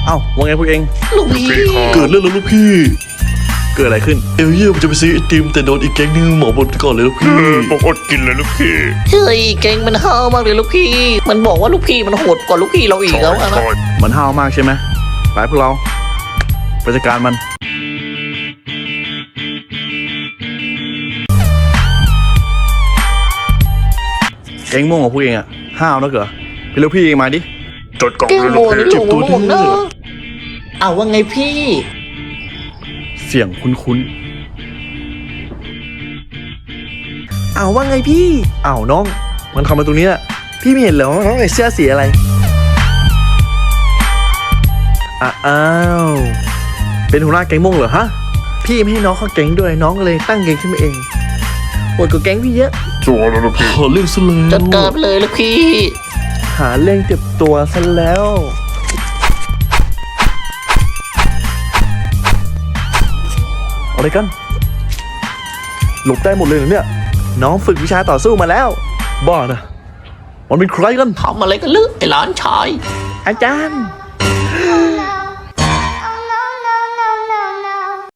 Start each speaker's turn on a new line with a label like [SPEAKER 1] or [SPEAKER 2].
[SPEAKER 1] อ้าว่าไงพวกเอง
[SPEAKER 2] ลูกพี่
[SPEAKER 3] เกิดเรื่องแล้วลูกพี่
[SPEAKER 1] เกิดอะไรขึ้น
[SPEAKER 3] เอลเยี่ยมจะไปซื้อไอติมแต่โดนอีกแก๊งนึงหมอบนก่อนเลยลูกพี่
[SPEAKER 4] ผมอดกินเลยลูกพี่
[SPEAKER 2] เฮ้ยเก่งมันห้าวมากเลยลูกพี่ มันบอกว่าลูกพี่มันโหดกว่าลูกพี่เราอีกแล้วนะ
[SPEAKER 1] มันห้าวมากใช่ไหมไปพวกเราไปจัดการมันแก๊งม่วงของพวกเองอะห้าวนะเก๋อไปเร็วพี่เองมาดิ
[SPEAKER 4] จดกล่อง
[SPEAKER 2] แก้ว
[SPEAKER 4] เลย
[SPEAKER 2] โม
[SPEAKER 4] ลูก
[SPEAKER 2] นี่
[SPEAKER 4] พี่
[SPEAKER 2] หลงหมดนะเอาว่าไงพี่
[SPEAKER 1] เสียงคุ้นๆอ้าวว่าไงพี่อ้าวน้อง มันเข้ามาตรงนี้น่ะพี่ไม่เห็นเหรอน้องไอ้เสื้อสีอะไรอ้าวเป็นหัวหน้าแก๊งม่วงเหรอฮะพี่ไม่ให้น้องเข้าแก๊งด้วยน้องเลยตั้งแก๊งขึ้นมาเองโหดกว่าแก๊งพี่เยอะ
[SPEAKER 4] ชัวร์แล้วลูกพี่
[SPEAKER 3] ขอเรื่องซะแล้ว
[SPEAKER 2] จัดการไปเลยลูกพี่
[SPEAKER 1] หาเรื่องเจ็บตัวซะแล้วอะไรกันหลบได้หมดเลยเหรอเนี่ยน้องฝึกวิชาต่อสู้มาแล้วบ้านะมันเป็นใครกัน
[SPEAKER 2] ทำอะไรกันลึกไอ้หลานชาย
[SPEAKER 1] อาจารย์